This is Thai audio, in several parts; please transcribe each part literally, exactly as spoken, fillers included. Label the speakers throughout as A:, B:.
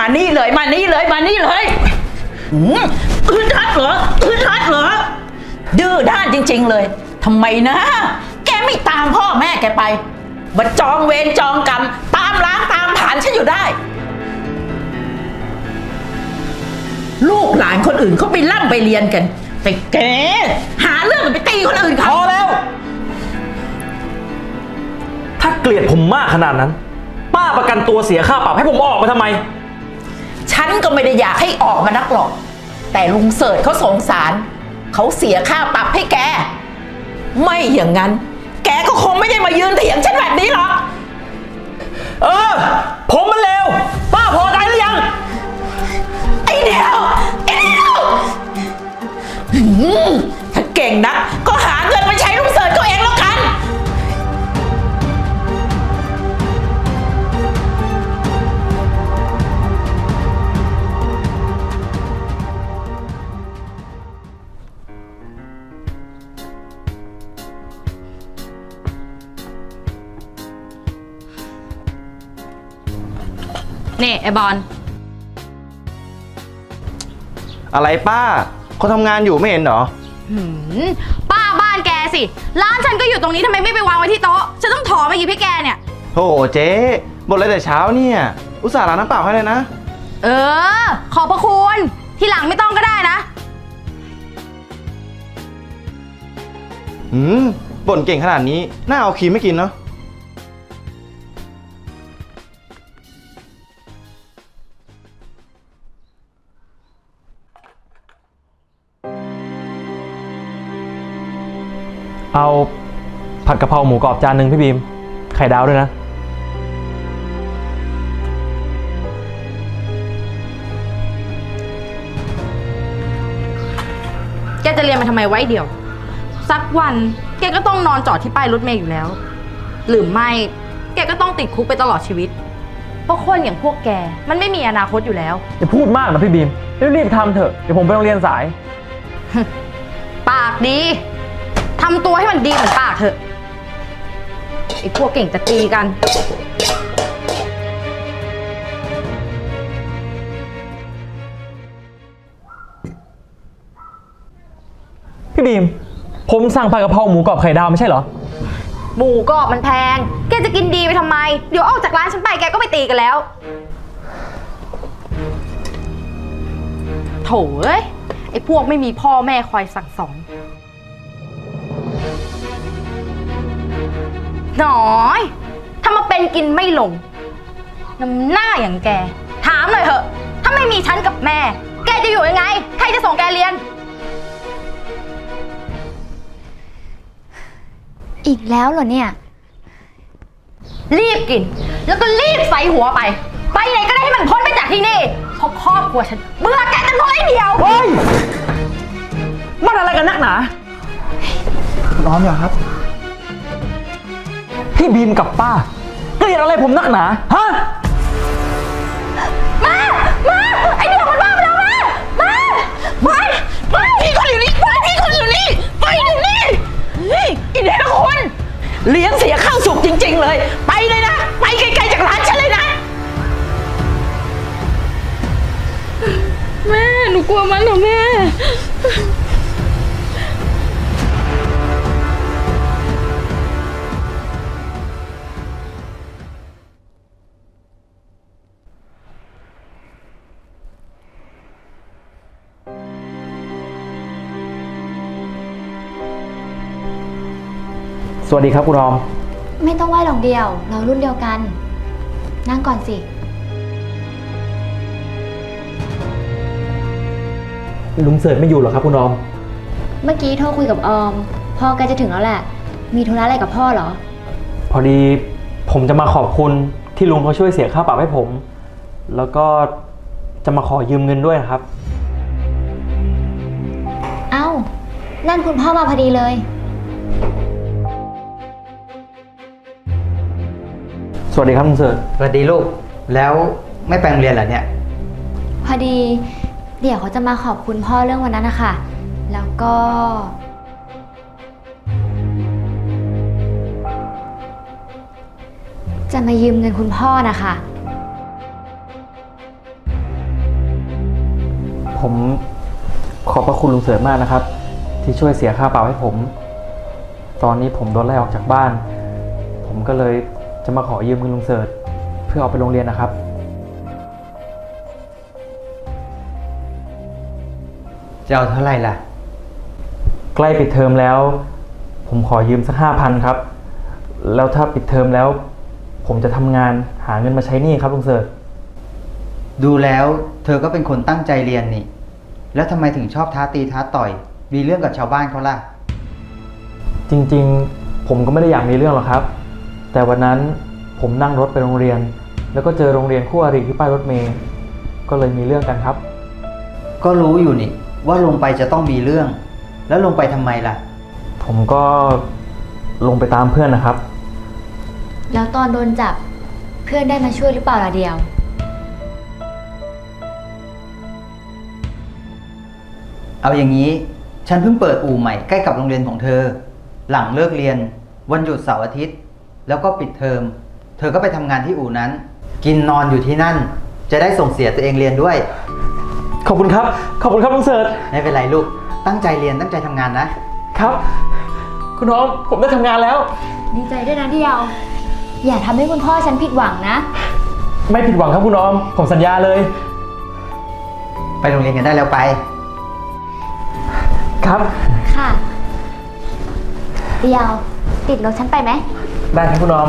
A: นี่เลยมานี่เลยมานี่เลยอือทัดเหรออือทัดเหรอดื้อด้านจริงๆเลยทำไมนะแกไม่ตามพ่อแม่แกไปมาจองเวรจองกรรมตามล้างตามผ่านฉันอยู่ได้ลูกหลานคนอื่นเขาไปร่ำไปเรียนกันแต่แกหาเรื่องไปตีคนอื่นเขา
B: พอแล้วถ้าเกลียดผมมากขนาดนั้นป้าประกันตัวเสียค่าปรับให้ผมออกมาทำไม
A: ฉันก็ไม่ได้อยากให้ออกมานักหรอกแต่ลุงเสิร์ชเขาสงสารเขาเสียค่าปรับให้แกไม่อย่างนั้นแกก็คงไม่ได้มายืนเถียงฉันแบบนี้หรอก
B: เออผมมันเลวป้าพอใจหรือยัง
A: ไอ้เดียวไอ้เดียวถ้าเก่งนะก็หาเงินมาใช้ลุงเสิร์ชเขาเองแล้วกัน
C: นี่ไอบอล
D: อะไรป้าเขาทำงานอยู่ไม่เห็นเหรอ
C: ป้าบ้านแกสิร้านฉันก็อยู่ตรงนี้ทำไมไม่ไปวางไว้ที่โต๊ะฉันต้องถอมาหยิบให้แกเนี่ย
D: โธ่เจ๊บ่นอะไรแต่เช้าเนี่ยอุตส่าห์ล้างน้ำเปล่าให้เลยนะ
C: เออขอบพระคุณทีหลังไม่ต้องก็ได้นะ
D: หืมบ่นเก่งขนาดนี้น่าเอาครีมไม่กินเนาะ
B: เอาผัดกะเพราหมูกรอบจานหนึ่งพี่บีมไข่ดาวด้วยนะ
C: แกจะเรียนมาทำไมไว้เดียวสักวันแกก็ต้องนอนจอดที่ป้ายรถเมล์อยู่แล้วหรือไม่แกก็ต้องติดคุกไปตลอดชีวิตเพราะคนอย่างพวกแกมันไม่มีอนาคตอยู่แล้ว
B: อย่าพูดมากนะพี่บีมรีบๆทำเถอะเดี๋ยวผมไปโรงเรียนสาย
C: ปากดีทำตัวให้มันดีเหมือนปากเถอะไอ้พวกเก่งจะตีกัน
B: พี่บีมผมสั่งผัดกะเพราหมูกรอบไข่ดาวไม่ใช่เหรอ
C: หมูกรอบมันแพงแกจะกินดีไปทำไมเดี๋ยวออกจากร้านฉันไปแกก็ไปตีกันแล้วโถ่เอ้ยไอ้พวกไม่มีพ่อแม่คอยสั่งสอนน้อยถ้ามาเป็นกินไม่ลงน้ำหน้าอย่างแกถามหน่อยเถอะถ้าไม่มีฉันกับแม่แกจะอยู่ยังไงใครจะส่งแกเรียน
E: อีกแล้วเหรอเนี่ย
C: รีบกินแล้วก็รีบใส่หัวไปไปไหนก็ได้ให้มันพ้นไปจากที่นี่เพราะครอบครัวฉันเบื่อแกกันน้อยเดียว
B: เฮ้ยมันอะไรกันนักหนา
D: ร้อนเหรอครับ
B: พี่บีมกับป้าเกลียดอะไรผมนักหนาฮะ
C: มามาไอเดียวมันมาแล้วมามาไปไปพี่คนอยู่นี่ไปพี่คนอยู่นี่ไปอยู่นี่
A: เฮ้ยอีเดียวคุณเลี้ยงเสียข้าวสุกจริงๆเลยไปเลยนะไปไกลๆจากร้านฉันเลยนะ
C: แม่หนูกลัวมันเหรอแม่
B: สวัสดีครับคุณรอม
E: ไม่ต้องไหว้หรอกเดียวเรารุ่นเดียวกันนั่งก่อนสิ
B: ลุงเสิร์ชไม่อยู่หรอครับคุณรอม
E: เมื่อกี้โทรคุยกับออมพ่อแกจะถึงแล้วแหละมีธุระอะไรกับพ่อเหรอ
B: พอดีผมจะมาขอบคุณที่ลุงเขาช่วยเสียค่าปรับให้ผมแล้วก็จะมาขอยืมเงินด้วยนะครับ
E: เอ้านั่นคุณพ่อมาพอดีเลย
B: สวัสดีครับลุงเสิร์ช
F: สวัสดีลูกแล้วไม่ไปโรงเรียนเหรอเนี่ย
E: พอดีเดี๋ยวเขาจะมาขอบคุณพ่อเรื่องวันนั้นนะคะแล้วก็จะมายืมเงินคุณพ่อนะคะ
B: ผมขอบพระคุณลุงเสริมมากนะครับ ที่ช่วยเสียค่าเปล่าให้ผม ตอนนี้ผมโดนไล่ออกจากบ้าน ผมก็เลยจะมาขอยืมเงินลุงเสิร์ชเพื่อเอาไปโรงเรียนนะครับ
F: จะเอาเท่าไหร่ล่ะ
B: ใกล้ปิดเทอมแล้ว ผมขอยืมสักห้าพันครับ แล้วถ้าปิดเทอมแล้ว ผมจะทำงานหาเงินมาใช้หนี้ครับลุงเสิร์ช
F: ดูแล้วเธอก็เป็นคนตั้งใจเรียนนี่ แล้วทำไมถึงชอบท้าตีท้าต่อย มีเรื่องกับชาวบ้านเขาล่ะ
B: จริงๆ ผมก็ไม่ได้อยากมีเรื่องหรอกครับ แต่วันนั้นผมนั่งรถไปโรงเรียน แล้วก็เจอโรงเรียนคู่อริที่ป้ายรถเมล์ก็เลยมีเรื่องกันครับ
F: ก็รู้อยู่นี่ว่าลงไปจะต้องมีเรื่อง แล้วลงไปทำไมล่ะ
B: ผมก็ลงไปตามเพื่อนนะครับ
E: แล้วตอนโดนจับเพื่อนได้มาช่วยหรือเปล่าล่ะเดียว
F: เอาอย่างนี้ฉันเพิ่งเปิดอู่ใหม่ใกล้กับโรงเรียนของเธอ หลังเลิกเรียนวันหยุดเสาร์อาทิตย์ แล้วก็ปิดเทอม เธอก็ไปทำงานที่อู่นั้น กินนอนอยู่ที่นั่น จะได้ส่งเสียตัวเองเรียนด้วย
B: ขอบคุณครับ ขอบคุณครับลุงเสิร์ช
F: ไม่เป็นไรลูก ตั้งใจเรียนตั้งใจทำงานนะ
B: ครับ คุณน้องผมได้ทำงานแล้ว
E: ดีใจด้วยนะเดียว อย่าทำให้คุณพ่อฉันผิดหวังนะ
B: ไม่ผิดหวังครับคุณน้องผมสัญญาเลย
F: ไปโรงเรียนกันได้แล้วไป
B: ครับ
E: ค่ะ เดียว ติดรถฉันไปไหม
B: ได้ครับคุณน้อง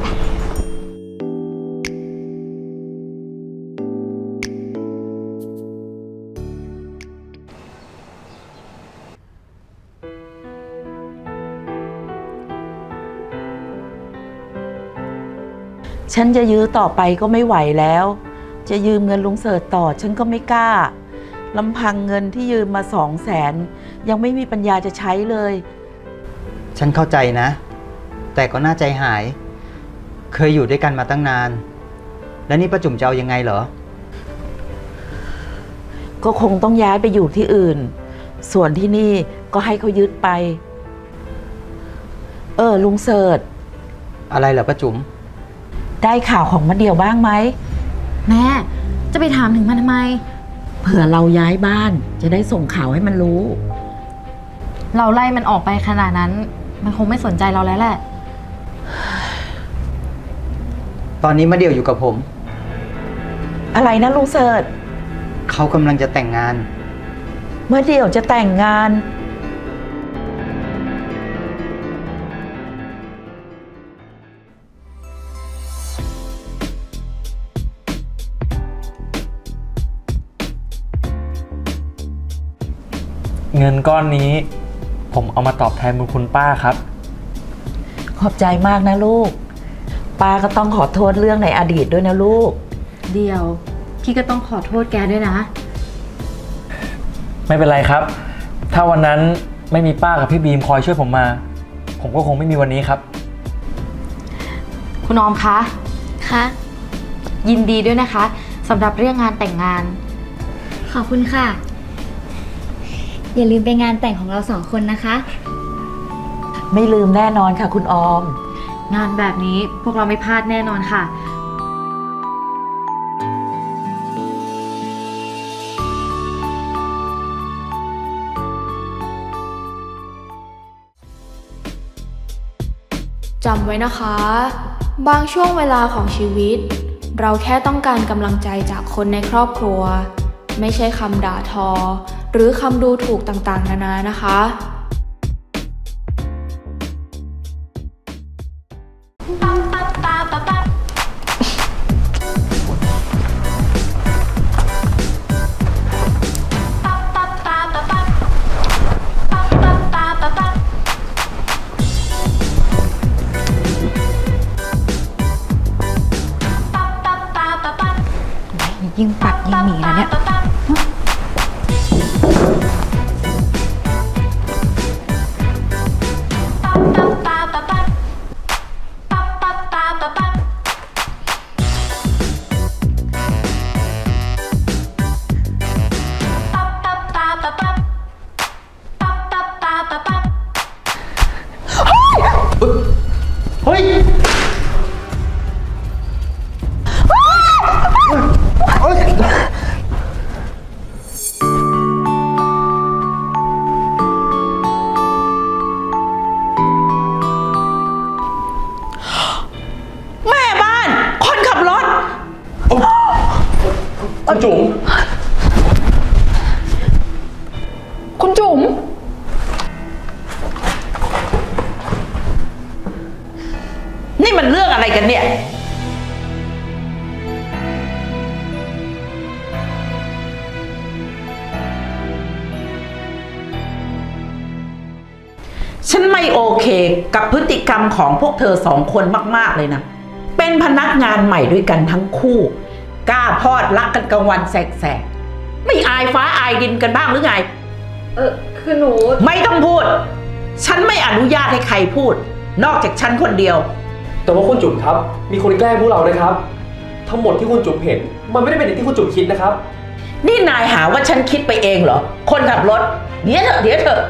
A: ฉันจะยื้อต่อไปก็ไม่ไหวแล้ว จะยืมเงินลุงเสิร์ชต่อฉันก็ไม่กล้าลำพังเงินที่ยืมมาสองแสนยังไม่มีปัญญาจะใช้เลย
F: ฉันเข้าใจนะ แต่ก็น่าใจหาย เคยอยู่ด้วยกันมาตั้งนาน แล้วนี่ป้าจุ๋มจะเอายังไงเหรอ
A: ก็คงต้องย้ายไปอยู่ที่อื่น ส่วนที่นี่ก็ให้เขายึดไป เออลุงเสิร์ช
F: อะไรเหรอป้าจุ๋ม
A: ได้ข่าวของมะเดี่ยวบ้างไหม
C: แม่จะไปถามถึงมันทำไม
A: เผื่อเราย้ายบ้านจะได้ส่งข่าวให้มันรู้
C: เราไล่มันออกไปขนาดนั้น มันคงไม่สนใจเราแล้วแหละ
F: ตอนนี้มาเดี่ยวอยู่กับผม
A: อะไรนะลุงเสิร์ช
F: เขากำลังจะแต่งงาน
A: เมื่อเดี่ยวจะแต่งงาน
B: เงินก้อนนี้ ผมเอามาตอบแทนบุญคุณป้าครับ
A: ขอบใจมากนะลูกป้าก็ต้องขอโทษเรื่องในอดีตด้วยนะลูก
C: เดียวพี่ก็ต้องขอโทษแกด้วยนะ
B: ไม่เป็นไรครับ ถ้าวันนั้นไม่มีป้ากับพี่บีมคอยช่วยผมมา ผมก็คงไม่มีวันนี้ครับ
C: คุณออมคะ
E: คะ
C: ยินดีด้วยนะคะสำหรับเรื่องงานแต่งงาน
E: ขอบคุณค่ะ อย่าลืมไปงานแต่งของเราสองคนนะคะ
A: ไม่ลืมแน่นอนค่ะคุณออม
C: งานแบบนี้พวกเราไม่พลาดแน่นอนค่ะ
G: จำไว้นะคะ บางช่วงเวลาของชีวิต เราแค่ต้องการกำลังใจจากคนในครอบครัว ไม่ใช่คำด่าทอ หรือคำดูถูกต่างๆนานานะคะ
C: ยิ่งปักยิ่งหนีนะเนี่ย
F: เฮ้ย เ
B: คุณจุ๋ม
G: คุณจุ๋ม
A: นี่มันเรื่องอะไรกันเนี่ย ฉันไม่โอเคกับพฤติกรรมของพวกเธอสองคนมากๆเลยนะ เป็นพนักงานใหม่ด้วยกันทั้งคู่ กล้าพอดรักกันกลางวันแสกๆ ไม่อายฟ้าอายดินกันบ้างหรือไง
C: เออคือหนู
A: ไม่ต้องพูด ฉันไม่อนุญาตให้ใครพูด นอกจากฉันคนเดียว
B: แต่ว่าคุณจุ๋มครับ มีคนแกล้งพวกเรานะครับ ทั้งหมดที่คุณจุ๋มเห็น มันไม่ได้เป็นอย่างที่คุณจุ๋มคิดนะครับ
A: นี่นายหาว่าฉันคิดไปเองเหรอ คนขับรถ เดี๋ยวเถอะเดี๋ยวเถอะ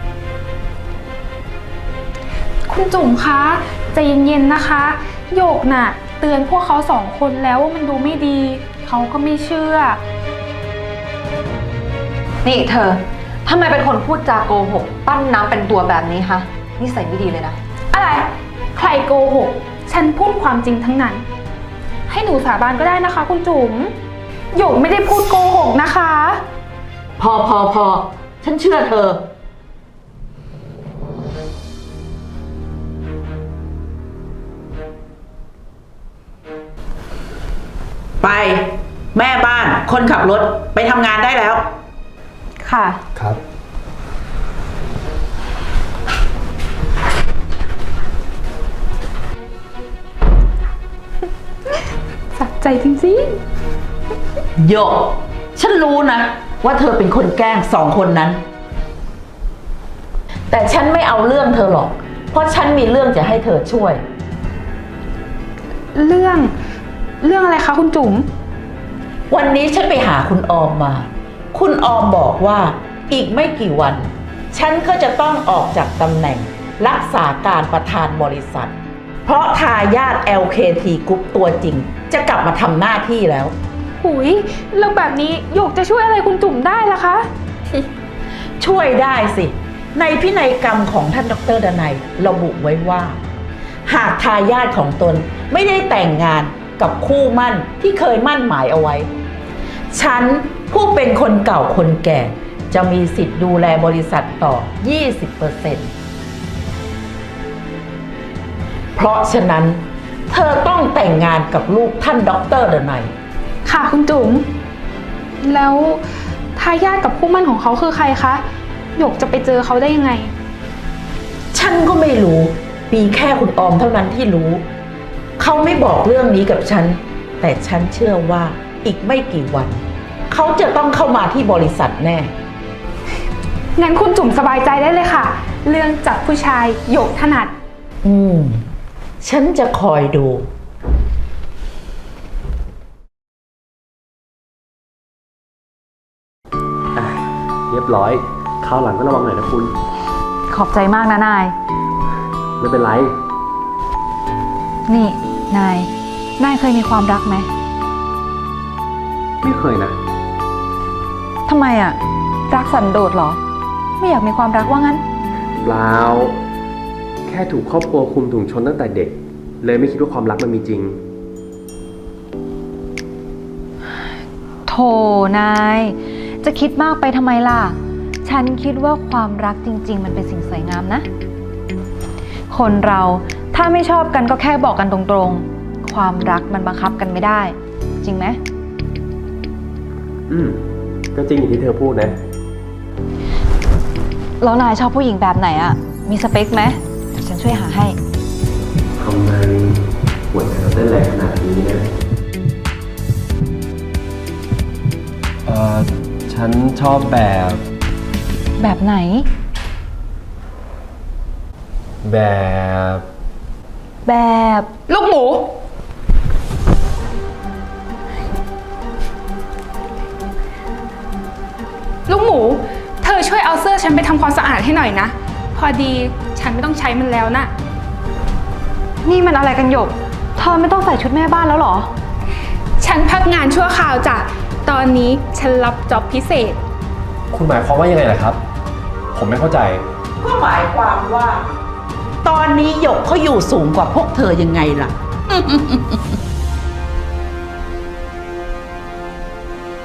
G: คุณจุ๋มคะใจเย็นๆนะคะโยกน่ะ เตือนพวกเขาสองคนแล้วว่ามันดูไม่ดี เขาก็ไม่เชื่อ
C: นี่เธอทำไมเป็นคนพูดจาโกหก ปั้นน้ำเป็นตัวแบบนี้คะนิสัยไม่ดีเลยนะ
G: อะไร ใครโกหก ฉันพูดความจริงทั้งนั้น ให้หนูสาบานก็ได้นะคะ คุณจุ๋มโยกไม่ได้พูดโกหกนะคะ
A: พอพอพอฉันเชื่อเธอ ไป แม่บ้านคนขับรถไปทำงานได้แล้ว
C: ค่ะ
B: ครับ
G: สัใจจริง
A: โยก ฉันรู้นะ ว่าเธอเป็นคนแกล้งสองคนนั้น แต่ฉันไม่เอาเรื่องเธอหรอก เพราะฉันมีเรื่องจะให้เธอช่วย
G: ๆ เรื่อง เรื่องอะไรคะคุณจุ๋ม
A: วันนี้ฉันไปหาคุณออมมา คุณออมบอกว่าอีกไม่กี่วัน ฉันก็จะต้องออกจากตำแหน่งรักษาการประธานบริษัท เพราะทายาท แอล เค ที Group ตัวจริง จะกลับมาทำหน้าที่แล้ว
G: หุยแล้วแบบนี้โยกจะช่วยอะไรคุณจุ๋มได้ล่ะคะ
A: ช่วยได้สิ ในพินัยกรรมของท่านดรดนัยระบุไว้ว่า หากทายาทของตนไม่ได้แต่งงานกับคู่มั่นที่เคยมั่นหมายเอาไว้ ฉันผู้เป็นคนเก่าคนแก่ จะมีสิทธิ์ดูแลบริษัทต่อ ยี่สิบเปอร์เซ็นต์ เพราะฉะนั้น เธอต้องแต่งงานกับลูกท่านดรดนัย
G: ค่ะคุณจุ๋ม แล้วทายาทกับคู่หมั่นของเขาคือใครคะหยกจะไปเจอเขาได้ยังไง
A: ฉันก็ไม่รู้ มีแค่คุณออมเท่านั้นที่รู้ เขาไม่บอกเรื่องนี้กับฉัน แต่ฉันเชื่อว่าอีกไม่กี่วัน เขาจะต้องเข้ามาที่บริษัทแน่
G: งั้นคุณจุ๋มสบายใจได้เลยค่ะ เรื่องจับผู้ชายหยกถนัด
A: อืม ฉันจะคอยดู
B: เรียบร้อย คราวหลังก็ระวังหน่อยนะคุณ
C: ขอบใจมากนะนาย
B: ไม่เป็นไร
C: นี่นาย นายเคยมีความรักไหม
B: ไม่เคยนะ
C: ทำไมอะรักสันโดษเหรอ ไม่อยากมีความรักว่างั้น
B: เปล่า แค่ถูกครอบครัวคุมถุงชนตั้งแต่เด็ก เลยไม่คิดว่าความรักมันมีจริง
C: โธ่นาย จะคิดมากไปทำไมล่ะ ฉันคิดว่าความรักจริงๆ มันเป็นสิ่งสวยงามนะ คนเราถ้าไม่ชอบกันก็แค่บอกกันตรงๆ ความรักมันบังคับกันไม่ได้ จริงไหม
B: อืม ก็จริงอย่างที่เธอพูดนะ
C: แล้วนายชอบผู้หญิงแบบไหนอะมีสเปคไหมเดี๋ยวฉันช่วยหาให้
B: ทำไมหัวใจเราเต้นแรงขนาดนี้นะ เอ่อ ฉันชอบแบบ
C: แบบไหน
B: แบบ
C: แบบ
G: ลูกหมู ลูกหมู เธอช่วยเอาเสื้อฉันไปทำความสะอาดให้หน่อยนะ พอดีฉันไม่ต้องใช้มันแล้วนะ
C: นี่มันอะไรกันหยก เธอไม่ต้องใส่ชุดแม่บ้านแล้วเหรอ
G: ฉันพักงานชั่วคราวจ้ะ ตอนนี้ฉันรับจ็อบพิเศษ
B: คุณหมายความว่ายังไงล่ะครับ ผมไม่เข้าใจ
A: ก็หมายความว่า ตอนนี้หยกเขาอยู่สูงกว่าพวกเธอยังไงล่ะ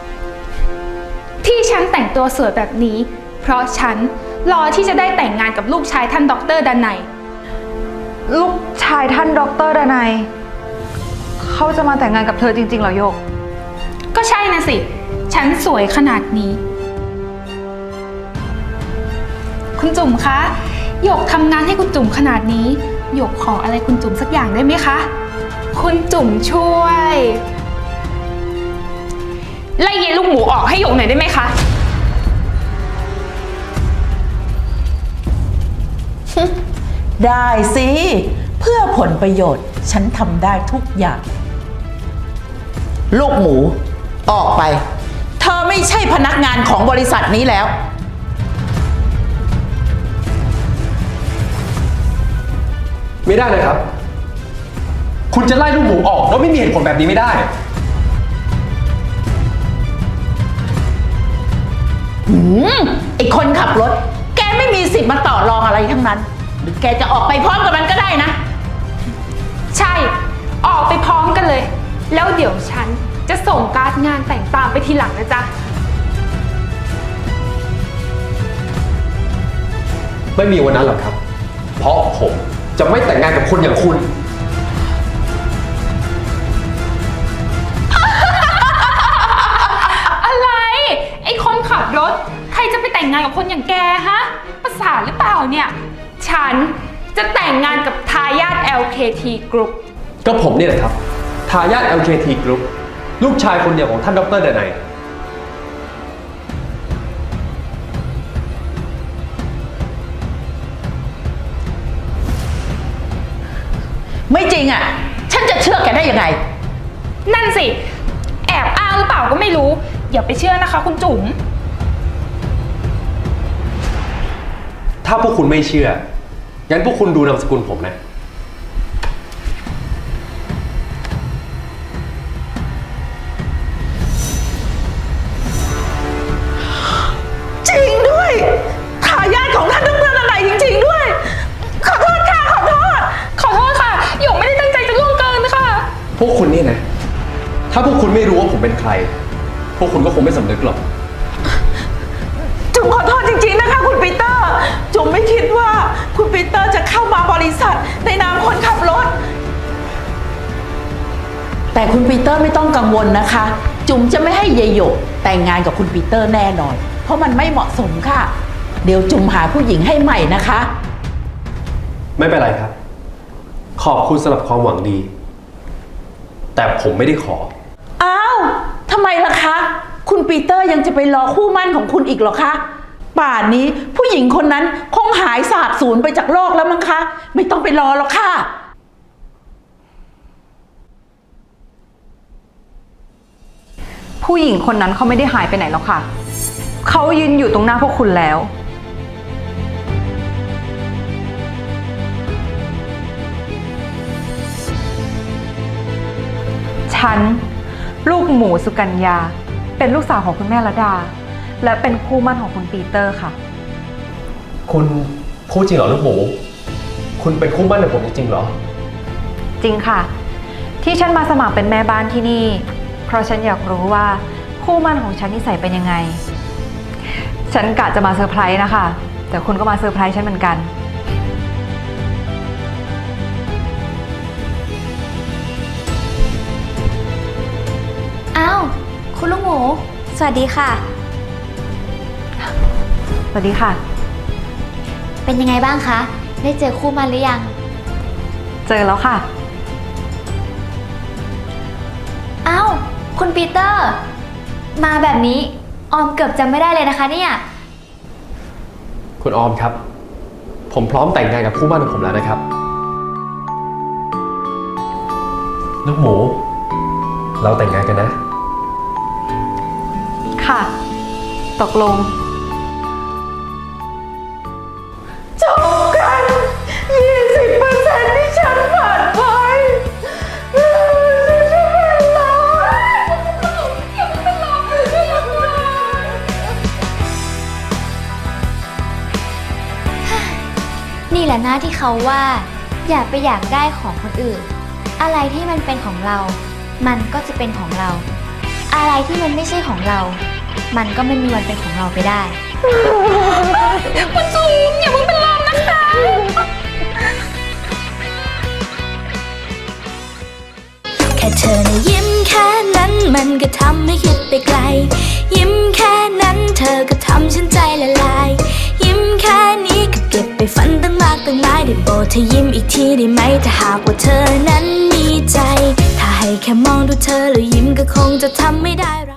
H: ที่ฉันแต่งตัวสวยแบบนี้ เพราะฉันรอที่จะได้แต่งงานกับลูกชายท่านด็อกเตอร์ดนัย
C: ลูกชายท่านด็อกเตอร์ดนัยเขาจะมาแต่งงานกับเธอจริงๆเหรอโยก
H: ก็ใช่นะสิ ฉันสวยขนาดนี้ คุณจุ๋มคะหยกทำงานให้คุณจุ๋มขนาดนี้หยกขออะไรคุณจุ๋มสักอย่างได้ไหมคะ คุณจุ๋มช่วยไล่เย็นลูกหมูออกให้หยกหน่อยได้ไหมคะ
A: ได้สิ เพื่อผลประโยชน์ ฉันทำได้ทุกอย่าง ลูกหมู ออกไป เธอไม่ใช่พนักงานของบริษัทนี้แล้ว
I: ไม่ได้นะครับ คุณจะไล่ลูกหมูออกแล้วไม่มีเหตุผลแบบนี้ไม่ได้
A: หืมไอคนขับรถ แกไม่มีสิทธิ์มาต่อรองอะไรทั้งนั้น หรือแกจะออกไปพร้อมกับมันก็ได้นะ
H: ใช่ ออกไปพร้อมกันเลย แล้วเดี๋ยวฉันจะส่งการ์ดงานแต่งตามไปทีหลังนะจ๊ะ
I: ไม่มีวันนั้นหรอกครับ เพราะผมจะไม่แต่งงานกับคนอย่างคุณ
H: อะไร ไอ้คนขับรถ ใครจะไปแต่งงานกับคนอย่างแกฮะ ประสาทหรือเปล่าเนี่ย ฉันจะแต่งงานกับทายาท แอล เค ที Group
I: ก็ผมนี่แหละครับ ทายาท แอล เค ที Group ลูกชายคนเดียวของท่านดร. ดนัย
A: ไม่จริงอ่ะ ฉันจะเชื่อแกได้ยังไง
H: นั่นสิ แอบอ้างหรือเปล่าก็ไม่รู้ อย่าไปเชื่อนะคะคุณจุ๋ม
I: ถ้าพวกคุณไม่เชื่อ งั้นพวกคุณดูนามสกุลผมนะ
A: จริงด้วยทายาทของท่านดร. ดนัยจริงๆด้วย ขอโทษค่ะ ขอโทษ
H: ขอโทษค่ะ หยกไม่ได้ตั้งใจจะล่วงเกินค่ะ
I: พวกคุณนี่นะ ถ้าพวกคุณไม่รู้ว่าผมเป็นใคร พวกคุณก็คงไม่สำนึกหรอก
A: จุ๋มขอโทษจริงๆนะคะคุณปีเตอร์ จุ๋มไม่คิดว่าคุณปีเตอร์จะเข้ามาบริษัทในนามคนขับรถ แต่คุณปีเตอร์ไม่ต้องกังวลนะคะ จุ๋มจะไม่ให้เยายหยกแต่งงานกับคุณปีเตอร์แน่นอน เพราะมันไม่เหมาะสมค่ะ เดี๋ยวจุ๋มหาผู้หญิงให้ใหม่นะคะ
I: ไม่เป็นไรครับ ขอบคุณสำหรับความหวังดี แต่ผมไม่ได้ขอ
A: อ้าวทำไมล่ะคะ คุณปีเตอร์ยังจะไปรอคู่มั่นของคุณอีกเหรอคะ ป่านนี้ผู้หญิงคนนั้นคงหายสาบสูญไปจากโลกแล้วมั้งคะ ไม่ต้องไปรอหรอกค่ะ
C: ผู้หญิงคนนั้นเขาไม่ได้หายไปไหนหรอกค่ะ เขายืนอยู่ตรงหน้าพวกคุณแล้ว ฉัน ลูกหมูสุกัญญา เป็นลูกสาวของคุณแม่ระดา และเป็นคู่หมั่นของคุณปีเตอร์ค่ะ
I: คุณพูดจริงเหรอลูกหมู คุณเป็นคู่หมั่นของผมจริงๆเหรอ
C: จริงค่ะ ที่ฉันมาสมัครเป็นแม่บ้านที่นี่ เพราะฉันอยากรู้ว่าคู่หมั่นของฉันนิสัยเป็นยังไง ฉันกะจะมาเซอร์ไพรส์นะคะ แต่คุณก็มาเซอร์ไพรส์ฉันเหมือนกัน
E: อ้าว คุณลูกหมู สวัสดีค่ะ
C: สวัสดีค่ะ
E: เป็นยังไงบ้างคะ ได้เจอคู่มันหรือยัง
C: เจอแล้วค่ะ
E: อ้าว คุณปีเตอร์ มาแบบนี้ ออมเกือบจำไม่ได้เลยนะคะเนี่ย
I: คุณออมครับ ผมพร้อมแต่งงานกับคู่หมั่นของผมแล้วนะครับ ลูกหมู เราแต่งงานกันนะ
C: ค่ะ ตกลง
A: จบกัน ยี่สิบเปอร์เซ็นต์ ที่ฉันผ่านไปฉันจะเป็นลม
E: นี่แหละนะที่เขาว่า อย่าไปอยากได้ของคนอื่น อะไรที่มันเป็นของเรา มันก็จะเป็นของเรา อะไรที่มันไม่ใช่ของเรามันก็ไม่มีวันเป็นของเราไปได้
H: คุณจุ๋มอย่าเพิ่งเป็นลมนะคะ
J: แค่เธอนะยิ้มแค่นั้นมันก็ทำให้คิดไปไกล ยิ้มแค่นั้นเธอก็ทำฉันใจละลาย ยิ้มแค่นี้ก็เก็บไปฝันตั้งมากตั้งหลายได้โปรดเธอยิ้มอีกทีได้ไหมถ้าหากว่าเธอนั้นมีใจ ถ้าให้แค่มองดูเธอแล้วยิ้มก็คงจะทำไม่ได้